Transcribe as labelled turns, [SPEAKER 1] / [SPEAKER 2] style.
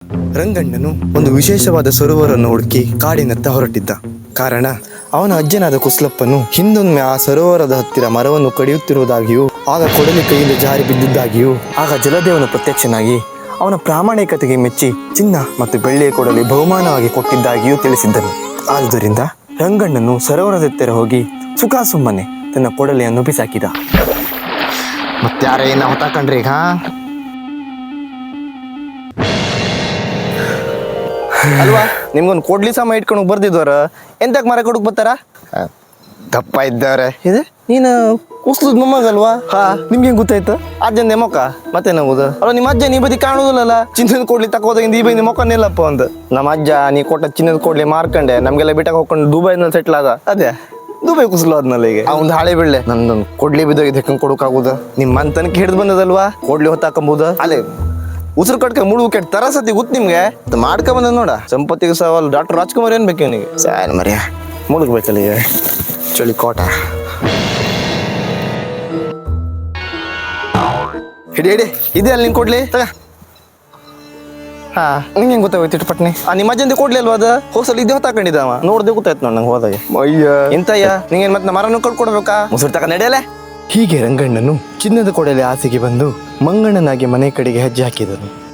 [SPEAKER 1] ರಂಗಣ್ಣನು ಒಂದು ವಿಶೇಷವಾದ ಸರೋವರವನ್ನು ಹುಡುಕಿ ಕಾಡಿನತ್ತ ಹೊರಟಿದ್ದ. ಕಾರಣ ಅವನ ಅಜ್ಜನಾದ ಕುಸ್ಲಪ್ಪನು ಹಿಂದೊಮ್ಮೆ ಆ ಸರೋವರದ ಹತ್ತಿರ ಮರವನ್ನು ಕಡಿಯುತ್ತಿರುವುದಾಗಿಯೂ ಆಗ ಕೊಡಲಿ ಕೈಯಿಂದ ಜಾರಿ ಬಿದ್ದಿದ್ದಾಗಿಯೂ ಆಗ ಜಲದೇವನು ಪ್ರತ್ಯಕ್ಷನಾಗಿ ಅವನ ಪ್ರಾಮಾಣಿಕತೆಗೆ ಮೆಚ್ಚಿ ಚಿನ್ನ ಮತ್ತು ಬೆಳ್ಳಿಯ ಕೊಡಲಿ ಬಹುಮಾನವಾಗಿ ಕೊಟ್ಟಿದ್ದಾಗಿಯೂ ತಿಳಿಸಿದ್ದನು. ಆದುದರಿಂದ ರಂಗಣ್ಣನು ಸರೋವರದ ಹತ್ತಿರ ಹೋಗಿ ಸುಮ್ಮನೆ ತನ್ನ ಕೊಡಲಿಯನ್ನು ಬಿಸಾಕಿದ.
[SPEAKER 2] ಮತ್ತಾರ ಏನ ಹೊತ್ತಾಕಂಡ್ರಿ ಈಗ?
[SPEAKER 1] ಅಲ್ವಾ ನಿಮ್ಗೊಂದು ಕೊಡ್ಲಿ ಸಮ ಇಟ್ಕೊಂಡು ಬರ್ದಿದ್ವರ ಎಂತಕ್ ಮರ ಕೊಡಕ್ ಬರ್ತಾರ?
[SPEAKER 2] ದಪ್ಪ ಇದ್ದವ್ರೆ.
[SPEAKER 1] ಇದೆ ನೀನು ಕುಸ್ಲದ್ ಮೊಮ್ಮಗಲ್ವಾ? ಹಾ ನಿಮ್ಗೆ ಹೆಂಗ್ ಗೊತ್ತಾಯ್ತು? ಅಜ್ಜಂದೆ ಮೊಕ್ಕ ಮತ್ತೆ ನಮ್ಮದು ಅಲ್ಲ ನಿಮ್ಮ ಅಜ್ಜ ನೀ ಬದಿ ಕಾಣುದಿಲ್ಲಲ್ಲ. ಚಿನ್ನದ ಕೊಡ್ಲಿ ತಕೋದಾಗಿಂದ ಈ ಬದಿ ಮೊಕ್ಕ ನಿಲ್ಲಪ್ಪ ಅಂತ. ನಮ್ಮ ಅಜ್ಜ ನೀ ಕೊಟ್ಟ ಚಿನ್ನದ ಕೊಡ್ಲಿ ಮಾರ್ಕಂಡೆ ನಮ್ಗೆಲ್ಲ ಬಿಟ್ಟಕ್ಕೆ ಹೋಗ್ಕೊಂಡು ದುಬೈನಲ್ಲಿ ಸೆಟ್ಲ್ ಆದ. ಅದೇ ದುಬೈ ಕುಸ್ಲು ಆದ್ನಲ್ಲ ಈಗ
[SPEAKER 2] ಅವ್ನ್ ಹಾಳೆ ಬೀಳ್ಳೆ
[SPEAKER 1] ನಂದೊಂದು ಕೊಡ್ಲಿ ಬಿದ್ದೋಗಿದ್ದು ಹೆಂಗ್ ಕೊಡೋಕಾಗುದ? ನಿಮ್ಮ ಅಂತನಕ್ಕೆ ಹಿಡಿದು ಬಂದದಲ್ವಾ ಕೊಡ್ಲಿ ಹೊತ್ತಾಕಂಬುದ?
[SPEAKER 2] ಅಲ್ಲೇ
[SPEAKER 1] ಉಸಿರು ಕಟ್ಕ ಮುಳುಗು ಕೆಟ್ಟ ತರಸತಿ ಗೊತ್ತು ನಿಮ್ಗೆ ಮಾಡ್ಕೊ ಬಂದ ನೋಡ. ಸಂಪತ್ತಿಗೆ ಸವಾಲ್ ಡಾಕ್ಟರ್ ರಾಜ್ಕುಮಾರ್ ಏನ್ ಬೇಕು ನಿನಗೆ?
[SPEAKER 2] ಸಾಯನ್ ಮರ್ಯ
[SPEAKER 1] ಮುಳುಗ್ಬೇಕಲ್ಲ ಈಗ
[SPEAKER 2] ಚಳಿ ಕೋಟ
[SPEAKER 1] ಹಿಡಿ ಹಿಡಿ ಇದೆ ಅಲ್ಲಿ ನಿಂಗೆ ಕೊಡ್ಲಿ ತಗ. ಹಾ ನಿಂಗೆ ಹೆಂಗ್ ಗೊತ್ತಾಗೋಯ್ತು ಇಟ್ಟು ಪಟ್ನಿ? ನಿಮ್ಮ ಅಜ್ಜಂದೆ ಕೊಡ್ಲಿ ಅಲ್ವಾ ಅದು? ಹೋಸಲ್ ಇದೇ ಹೊತ್ತಾಕೊಂಡಿದ್ದಾವ ನೋಡ್ದೆ ಗೊತ್ತಾಯ್ತು ನೋಡ್ ನಂಗೆ ಹೋದಾಗ.
[SPEAKER 2] ಅಯ್ಯ
[SPEAKER 1] ಎಂತಯ್ಯ ನಿಂಗೇನ್ ಮತ್ತೆ ಮರನು ಕಟ್ಕೊಡ್ಬೇಕಾ? ಮುಸುರು ತಕ ನಡೆಯಲೆ. ಹೀಗೆ ರಂಗಣ್ಣನು ಚಿನ್ನದ ಕೊಡಲಿ ಆಸೆಗೆ ಬಂದು ಮಂಗಣ್ಣನಾಗಿ ಮನೆ ಕಡೆಗೆ ಹೆಜ್ಜೆ ಹಾಕಿದನು.